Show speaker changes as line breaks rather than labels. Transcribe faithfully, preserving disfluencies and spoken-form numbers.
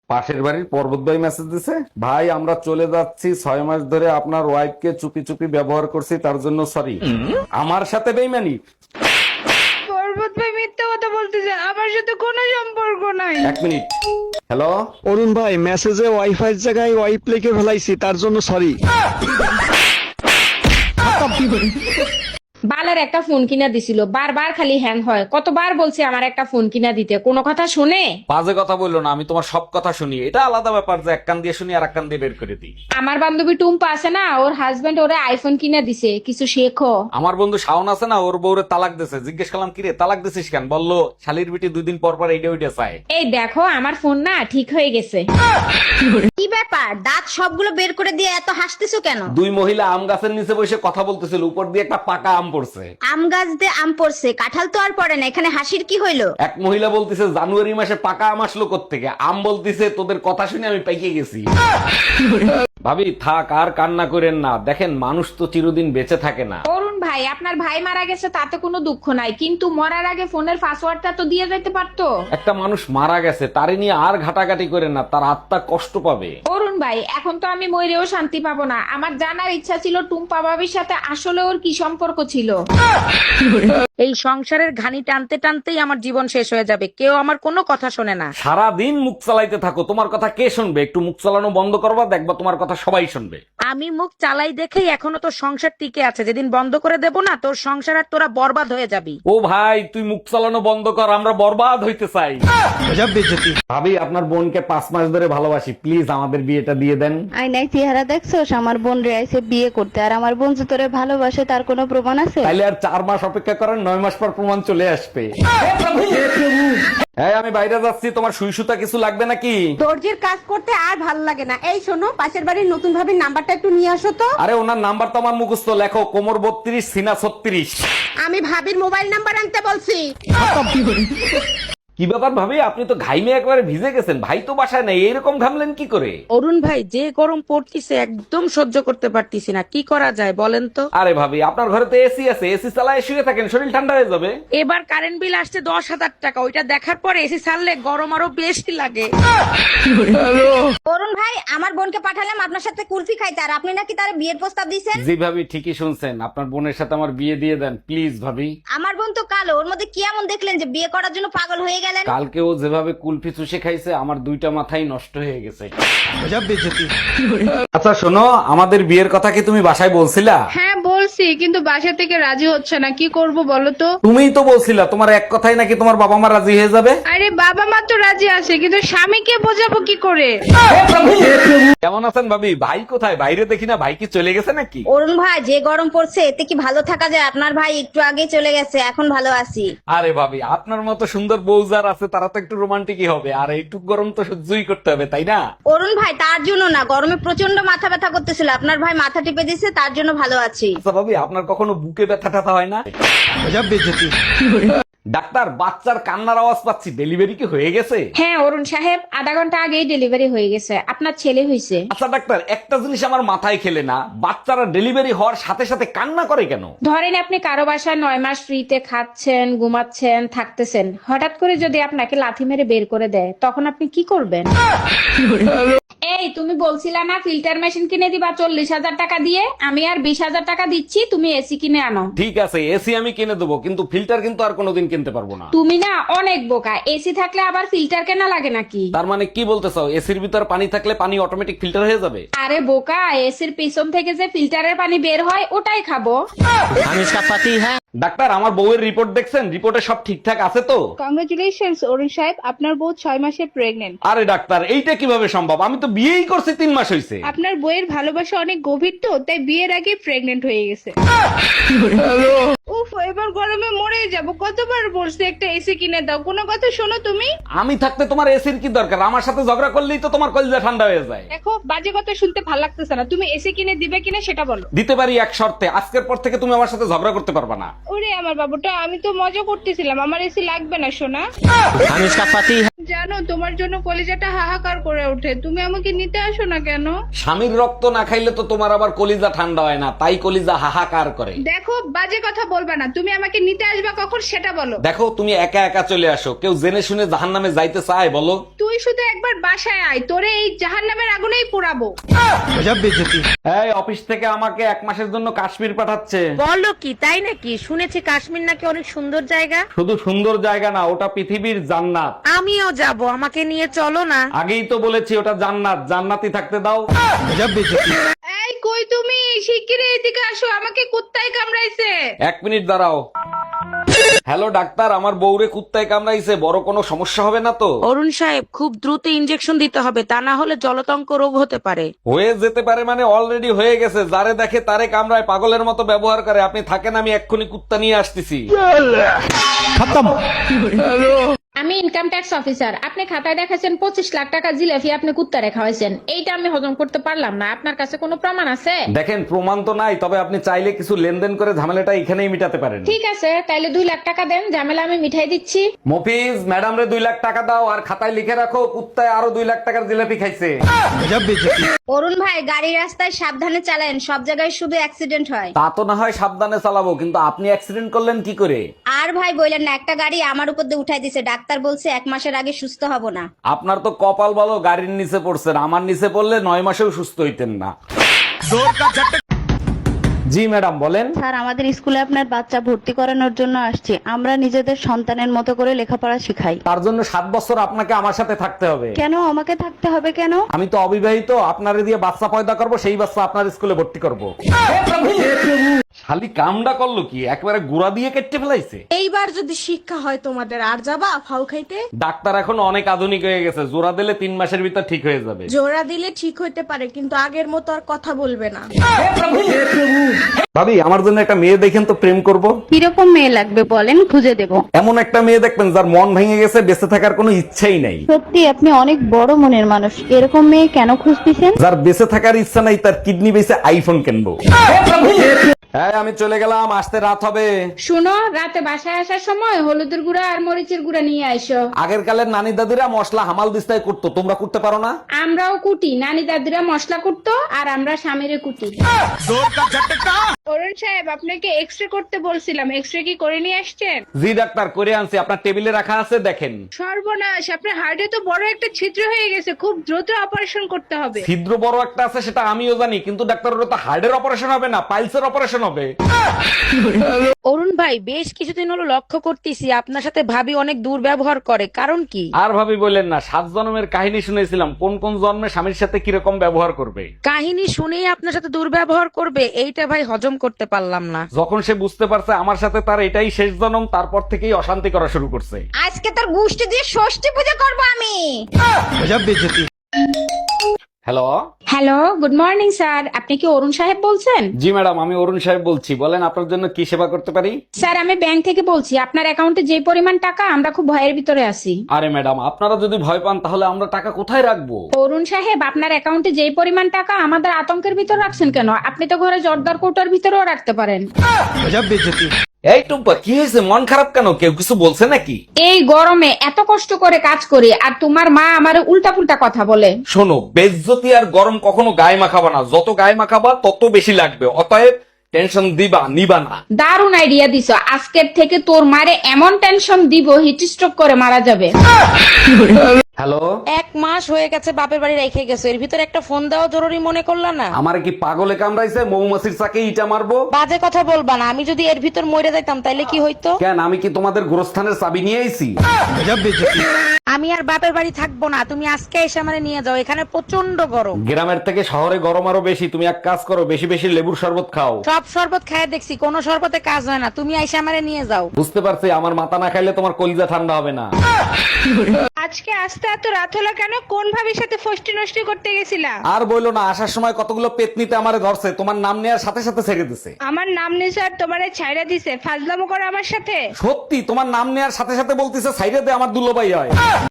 পাশের বাড়ির পর্বত ভাই মেসেজ দিছে, ভাই আমরা চলে যাচ্ছি, ছয় মাস ধরে আপনার ওয়াইফকে চুপি চুপি ব্যবহার করছি, তার জন্য সরি। আমার সাথে বেইমানি?
পর্বত ভাই মিথ্যা কথা বলতেছে, আমার সাথে কোনো সম্পর্ক নাই।
এক মিনিট। হ্যালো।
অরুণ ভাই, মেসেজে ওয়াইফাই এর জায়গায় ওয়াইপ লিখে ফেলাইছি, তার জন্য সরি।
বালের একটা ফোন কিনা দিছিল, বারবার খালি হ্যাং হয়। কতবার বলছি আমার একটা ফোন কিনা দিতে, কোনো কথা শুনে?
বাজে কথা বললো না, আমি তোমার সব কথা শুনি। এটা আলাদা ব্যাপার যে এক কান দিয়ে শুনি আর এক কান দিয়ে বের করে দিই।
আমার বান্ধবী টুম্পা আছে না, ওর হাজবেন্ড ওরে আইফোন কিনা দিছে, কিছু শেখো।
আমার বন্ধু শাওন আছে না, ওর বউরে তালাক দিছে। জিজ্ঞেস করলাম কিরে তালাক দিছিস কেন, বললো শালির বিটি দুই দিন পর পর এইটা ওইটা চায়।
এই দেখো আমার ফোন না ঠিক হয়ে গেছে।
কি ব্যাপার, দাঁত সবগুলো বের করে দিয়ে এত হাসতেছো কেন?
দুই মহিলা আম গাছের নিচে বসে কথা বলতেছিল, উপর দিয়ে একটা পাকা আম পড়ছে।
আম গাছ দিয়ে আম পড়ছে, কাঁঠাল তো আর পড়ে না, এখানে হাসির কি হইলো?
এক মহিলা বলতেছে জানুয়ারি মাসে পাকা আম আসলো কোত্থেকে, আম বলতেছে তোদের কথা শুনে আমি পাইকে গেছি। ভাবি থাক আর কান্না করেন না, দেখেন মানুষ তো চিরদিন বেঁচে থাকে না।
অরুণ ভাই, আপনার ভাই মারা গেছে তাতে কোনো দুঃখ নাই, কিন্তু মরার আগে ফোনের পাসওয়ার্ডটা তো দিয়ে যেতে পারতো।
একটা মানুষ মারা গেছে, তারে নিয়ে আর ঘাটাঘাটি করেন না, তার আত্মা কষ্ট পাবে।
অরুণ ভাই, এখন তো আমি মরেও শান্তি পাবো না। আমার জানার ইচ্ছা ছিল টুম্পা ভাবির সাথে আসলে ওর কি সম্পর্ক ছিল।
এই সংসারের ঘানি টানতে টানতেই আমার জীবন শেষ হয়ে যাবে, কেউ আমার কোনো কথা শোনে না।
সারা দিন মুখ চালাইতে থাকো, তোমার কথা কে শুনবে? একটু মুখ চালানো বন্ধ করবা, দেখবা তোমার কথা সবাই শুনবে।
আমি মুখ চালাই দেখেই এখনো তোর সংসার টিকে আছে, যেদিন বন্ধ করে দেব না তোর সংসার আর তোরা বরবাদ হয়ে যাবি।
ও ভাই তুই মুখ চালানো বন্ধ কর, আমরা বরবাদ হইতে চাই। ভাবি আপনার বোনকে পাঁচ মাস ধরে ভালোবাসি, প্লিজ আমাদের বিয়েটা দিয়ে দেন।
আয়নায় চেহারা দেখছোস? আমার বোন রে আইছে বিয়ে করতে, আর আমার বোন যে তোরে ভালোবাসে তার কোনো প্রমাণ আছে?
তাইলে আর চার মাস অপেক্ষা করেন, নয় মাস পর প্রমাণ চলে আসবে। হ্যাঁ আমি বাইরে যাচ্ছি, তোমার সুই সুতা কিছু লাগবে নাকি?
দর্জির কাজ করতে আর ভালো লাগে না। এই শোনো, পাশের বাড়ির নতুন ভাবির নাম্বারটা একটু নিয়ে আসো তো।
আরে ওনার নাম্বার তো আমার মুখস্থ, লেখো কোমর বত্রিশ সিনা ছত্রিশ।
আমি ভাবির মোবাইল নাম্বার আনতে বলছি।
কি ব্যাপার ভাবি, আপনি তো ঘাইমে একবারে ভিজে গেছেন, ভাই তো বাসায় নাই, এরকম ঘামলেন কি করে?
অরুণ ভাই, যে গরম পড়তিছে একদম সহ্য করতে পারতিছি না, কি করা যায় বলেন তো?
আরে ভাবি আপনার ঘরে তো এসি আছে, এসি চালায় শুয়ে থাকেন, শরীর ঠান্ডা হয়ে যাবে।
এবার কারেন্ট বিল আসছে দশ হাজার টাকা, ওইটা দেখার পরে এসি ছাড়লে গরম আরো বেশি লাগে।
অরুণ ভাই, আমার বোনকে পাঠালাম আপনার সাথে কুলফি খাইতে, আর আপনি নাকি তার বিয়ের প্রস্তাব দিয়েছেন।
জি ভাবি ঠিকই শুনছেন, আপনার বোনের সাথে আমার বিয়ে দিয়ে দেন প্লিজ ভাবি।
আমার বোন তো কালো, ওর মধ্যে কি এমন দেখলেন যে বিয়ে করার জন্য পাগল হয়ে গেলেন?
কালকে ও যেভাবে কুলফি চুষে খাইছে, আমার দুইটা মাথাই নষ্ট হয়ে গেছে। আচ্ছা শোনো, আমাদের বিয়ের কথা কি তুমি বাসায় বলছিলা?
হ্যাঁ বলছি, কিন্তু বাসা থেকে রাজি হচ্ছে না, কি করব বলো তো?
তুমিই তো বলছিলা তোমার এক কথাই নাকি তোমার বাবা মা রাজি হয়ে যাবে।
আরে বাবা মা তো রাজি আছে, কিন্তু স্বামীকে বোঝাবো কি করে?
কেমন আছেন ভাবি? ভাই কোথায়? বাইরে দেখি না, ভাই কি চলে গেছে নাকি?
অরুণ ভাই, যে গরম পড়ছে এতে কি ভালো থাকা যায়? আপনার ভাই একটু আগে চলে গেছে, এখন ভালো আছি।
আরে ভাবি আপনার মতো সুন্দর বউ যার আছে তারা তো একটু রোমান্টিকই হবে, আর একটু গরম তো সহ্যই করতে হবে তাই না?
অরুণ ভাই, তার জন্য না, গরমে প্রচন্ড মাথা ব্যথা করতেছিল, আপনার ভাই মাথা টিপে দিচ্ছে, তার জন্য ভালো আছি।
আচ্ছা ভাবি আপনার কখনো বুকে ব্যথা টাথা হয় না? ডাক্তার বাচ্চার কান্নার আওয়াজ পাচ্ছি, ডেলিভারি কি হয়ে গেছে?
হ্যাঁ অরুণ সাহেব, আধা ঘন্টা আগেই ডেলিভারি হয়ে গেছে, আপনার ছেলে হয়েছে।
আচ্ছা ডাক্তার একটা জিনিস আমার মাথায় খেলে না, বাচ্চারা ডেলিভারি হওয়ার সাথে সাথে কান্না করে কেন?
ধরেন আপনি কারো বাসায় নয় মাস ফ্রিতে খাচ্ছেন, ঘুমাচ্ছেন, থাকতেছেন, হঠাৎ করে যদি আপনাকে লাথি মেরে বের করে দেয়, তখন আপনি কি করবেন? এই তুমি বলছিলা না ফিল্টার মেশিন কিনে দিবা চল্লিশ হাজার টাকা দিয়ে, আমি আর বিশ হাজার টাকা দিচ্ছি, তুমি এসি কিনে আনো।
ঠিক আছে এসি আমি কিনে দেবো, কিন্তু ফিল্টার কিন্তু আর কোনোদিন কিনতে পারবো না।
তুমি না অনেক বোকা, এসি থাকলে আবার ফিল্টার কেনা লাগে নাকি?
তার মানে কি বলতে চাও, এসির ভিতর পানি থাকলে পানি অটোমেটিক ফিল্টার হয়ে যাবে?
আরে বোকা, এসির পিছন থেকে যে ফিল্টারের পানি বের হয় ওটাই খাবো।
ডাক্তার আমার বউয়ের রিপোর্ট দেখছেন, রিপোর্টে সব ঠিকঠাক আছে তো?
কংগ্রেচুলেশনস অরুণ সাহেব, আপনার বউ ছয় মাসে প্রেগনেন্ট।
আরে ডাক্তার এইটা কিভাবে সম্ভব, আমি তো বিয়েই করছি তিন মাস হয়েছে।
আপনার বইয়ের ভালোবাসা অনেক গভীর তো, তাই বিয়ের আগে প্রেগনেন্ট হয়ে গেছে। উফ, এবার গরমে মরে যাব, কতবার বলছি একটা এসি কিনে দাও, কোনো কথা শোনো তুমি?
আমি থাকতে তোমার এসির কি দরকার, আমার সাথে ঝগড়া করলেই তো তোমার কলিজা ঠান্ডা হয়ে যায়।
দেখো, বাজে কথা শুনতে ভালো লাগতেছে না, তুমি এসি কিনে দিবে কিনা সেটা বলো।
দিতে পারি এক শর্তে, আজকের পর থেকে তুমি আমার সাথে ঝগড়া করতে পারবা না।
ওরে আমার বাবুটা, আমি তো মজা করতেছিলাম, আমার এসি লাগবে না সোনা। জানো তোমার জন্য কলিজাটা হাহাকার করে ওঠে, তুমি আমাকে নিতে আসো না কেন?
স্বামীর রক্ত না খাইলে তো তোমার আবার কলিজা ঠান্ডা হয় না, তাই কলিজা হাহাকার করে।
দেখো বাজে কথা বলবা না, তুমি আমাকে নিতে আসবা কখন সেটা বলো।
দেখো তুমি একা একা চলে আসো, কেউ জেনে শুনে জাহান্নামে যাইতে চায় বলো?
তুই শুধু একবার বাসায় আয়, তোরে এই জাহান্নামের আগুনেই পোড়াবো।
এই অফিস থেকে আমাকে এক মাসের জন্য কাশ্মীর পাঠাচ্ছে।
বলো কি, তাই নাকি? শুনেছি কাশ্মীর নাকি অনেক সুন্দর জায়গা।
শুধু সুন্দর জায়গা না, ওটা পৃথিবীর জান্নাত।
আমিও যাব, আমাকে নিয়ে চলো না।
আগেই তো বলেছি ওটা জান্নাত, জান্নাতি থাকতে দাও।
এই কই তুমি, শিগগিরই এদিকে আসো, আমাকে কুত্তায় কামড়াইছে।
এক মিনিট দাঁড়াও। হ্যালো ডাক্তার, আমার বউরে কুত্তায় কামড়াইছে, বড় কোনো সমস্যা হবে না তো?
অরুণ সাহেব, খুব দ্রুত ইনজেকশন দিতে হবে, তা না হলে জলতঙ্ক রোগ হতে পারে।
হয়ে যেতে পারে মানে অলরেডি হয়ে গেছে। যারে দেখে তারে কামড়ায়, পাগলের মতো ব্যবহার করে। আপনি থাকেন, আমি এক্ষুনি কুত্তা নিয়ে আসতেছি।
আমি ইনকাম ট্যাক্স অফিসার। আপনি খাতায় দেখাচ্ছেন পঁচিশ লাখ টাকা জিলাপি আপনি কুত্তা রেখা হয়েছেন, এইটা আমি হজম করতে পারলাম না। আপনার কাছে কোনো প্রমাণ আছে?
দেখেন প্রমাণ তো নাই, তবে আপনি চাইলে কিছু লেনদেন করে ঝামেলাটা এখানেই মিটাতে পারেন।
ঠিক আছে, তাইলে দুই লাখ টাকা দেন, ঝামেলা আমি মিঠাই দিচ্ছি।
মফিজ, ম্যাডাম রে দুই লাখ টাকা দাও, আর খাতায় লিখে রাখো কুত্তায় আরো দুই লাখ টাকার জিলাপি খাইছে।
অরুণ ভাই গাড়ি রাস্তায় সাবধানে চালান, সব জায়গায় শুধু অ্যাক্সিডেন্ট হয়।
তা তো না হয় সাবধানে চালাবো, কিন্তু আপনি অ্যাক্সিডেন্ট করলেন কি করে?
আর ভাই বললেন না, একটা গাড়ি আমার উপর দিয়ে উঠাই দিছে, ডাক্তার বলছে এক মাসের আগে সুস্থ হব না।
আপনার তো কপাল ভালো, গাড়ির নিচে পড়ছেন। আমার নিচে পড়লে নয় মাসেও সুস্থ হইতেন না। জি ম্যাডাম বলেন।
স্যার, আমাদের স্কুলে আপনার বাচ্চা ভর্তি করানোর জন্য আসছে। আমরা নিজেদের সন্তানের মতো করে লেখাপড়া শিখাই।
তার জন্য সাত বছর আপনাকে আমার সাথে থাকতে হবে।
কেন আমাকে থাকতে হবে কেন?
আমি তো অবিবাহিত, আপনারে দিয়ে বাচ্চা পয়দা করব, সেই বাচ্চা আপনার স্কুলে ভর্তি করব। শালি কামডা করলো কি, একবারে গুড়া দিয়ে কেটে ফেলাইছে।
এইবার যদি শিক্ষা হয় তোমাদের, আর যাবা ফাউ খাইতে?
ডাক্তার এখন অনেক আধুনিক হয়ে গেছে, জোড়া দিলে তিন মাসের ভিতর ঠিক হয়ে যাবে।
জোড়া দিলে ঠিক হইতে পারে, কিন্তু আগের মতো আর কথা বলবে না।
ভাবি, আমার জন্য একটা মেয়ে দেখেন তো, প্রেম করব।
কিরকম মেয়ে লাগবে বলেন, খুঁজে দেব।
এমন একটা মেয়ে দেখবেন যার মন ভেঙে গেছে, বেঁচে থাকার কোনো ইচ্ছাই নাই।
সত্যি আপনি অনেক বড় মনের মানুষ। এরকম মেয়ে কেন খুঁজতেছেন?
যার বেঁচে থাকার ইচ্ছা নাই, তার কিডনি বেঁচে আইফোন কিনবো। হ্যাঁ আমি চলে গেলাম, আসতে রাত হবে।
শুনো, রাতে বাসায় আসার সময় হলুদের গুঁড়া আর মরিচের গুঁড়া নিয়ে আইসো।
আগের কালের নানি দাদিরা মশলা হামাল দিস্তায় করতো, তোমরা করতে পারো না?
আমরাও কুটি, নানি দাদিরা মশলা কুটতো আর আমরা স্বামীরে কুটি।
অরুণ সাহেব, আপনাকে এক্সরে করতে বলছিলাম, এক্সরে কি করে নিয়ে আসছেন?
জি ডাক্তার, করে আনছি, আপনার টেবিলে রাখা আছে, দেখেন।
সর্বনাশ, আপনার হার্টে তো বড় একটা ছিদ্র হয়ে গেছে, খুব দ্রুত অপারেশন করতে হবে।
ছিদ্র বড় একটা আছে সেটা আমিও জানি, কিন্তু ডাক্তার ওটা তো হার্টের অপারেশন হবে না, পাইলসের অপারেশন হবে।
অরুণ ভাই, বেশ কিছুদিন হলো লক্ষ্য করতেছি আপনার সাথে ভাবি অনেক দুর্ব্যবহার করে, কারণ কি?
আর ভাবি বললেন না, সাত জন্মের কাহিনী শুনেছিলাম, কোন কোন জন্মে স্বামীর সাথে কিরকম ব্যবহার করবে।
কাহিনী শুনেই আপনার সাথে দুর্ব্যবহার করবে, এইটা ভাই হজম করতে পারলাম না।
যখন সে বুঝতে পারছে আমার সাথে তার এটাই শেষ জন্ম, তারপর থেকেই অশান্তি করা শুরু করছে।
আজকে তোর গোষ্ঠী দিয়ে ষষ্ঠী পূজা করবো আমি।
Hello.
Hello, good morning sir. আপনি কি অরুণ সাহেব বলছেন?
জি ম্যাডাম, আমি অরুণ সাহেব বলছি, বলেন আপনার জন্য কি সেবা করতে পারি।
স্যার, আমি ব্যাংক থেকে বলছি, আপনার অ্যাকাউন্টে যে পরিমাণ টাকা, আমরা খুব ভয়ের ভিতরে আছি।
আরে ম্যাডাম, আপনারা যদি ভয় পান তাহলে আমরা টাকা কোথায় রাখবো?
অরুণ সাহেব, আপনার অ্যাকাউন্টে যে পরিমাণ টাকা, আমাদের আতঙ্কের ভিতর রাখছেন কেন? আপনি তো ঘরে জর্দার কোটার ভিতরেও রাখতে পারেন।
এই টুম্পা, কি হয়েছে, মন খারাপ কেন? কেউ কিছু বলছে নাকি?
এই গরমে এত কষ্ট করে কাজ করি, আর তোমার মা আমারে উল্টা পুল্টা কথা বলে।
শোনো, বেজ্জতি আর গরম কখনো গায়ে মাখাবা না, যত গায়ে মাখাবা তত বেশি লাগবে, অতএব টেনশন দিবা নিবা না।
দারুণ আইডিয়া দিছো, আজকের থেকে তোর মারে এমন টেনশন দিব, হিট স্ট্রোক করে মারা যাবে।
হ্যালো।
এক মাস হয়ে গেছে বাপের বাড়ি রেখে গেছো, এর ভিতরে একটা ফোন দেওয়া জরুরি মনে করলা না?
আমার কি পাগলে কামড়াইছে, মৌমাছির চাকে ইটা মারবো?
বাজে কথা বলবা না, আমি যদি এর ভিতর মরে যাইতাম তাইলে কি হইতো?
কেন, আমি কি তোমাদের গোরস্থানের চাবি নিয়ে আইছি?
আমি আর বাপের বাড়ি থাকবো না, তুমি আজকে এসে আমারে নিয়ে যাও, এখানে প্রচন্ড গরম।
গ্রামের থেকে শহরে গরম আরো বেশি, তুমি এক কাজ করো, বেশি বেশি লেবুর শরবত খাও।
সব শরবত খায় দেখছি, কোনো শরবতে কাজ হয় না, তুমি এসে আমারে নিয়ে যাও।
বুঝতে পারছি, আমার মাথা না খাইলে তোমার কলিজা ঠান্ডা হবে না।
আজকে আসতে এত রাত হলো কেন? কোন ভাবির সাথে ফষ্টি নষ্টি করতে গেছিলা?
আর বইলো না, আসার সময় কতগুলো পেতনিতে আমারে ধরছে, তোমার নাম নেওয়ার সাথে সাথে ছেড়ে দিছে।
আমার নাম নিসার তোমারে ছাইরা দিছে, ফাজলামো করো আমার সাথে।
সত্যি, তোমার নাম নেওয়ার সাথে সাথে বলতিছে সাইডে দে, আমার দুলোবাই হয়।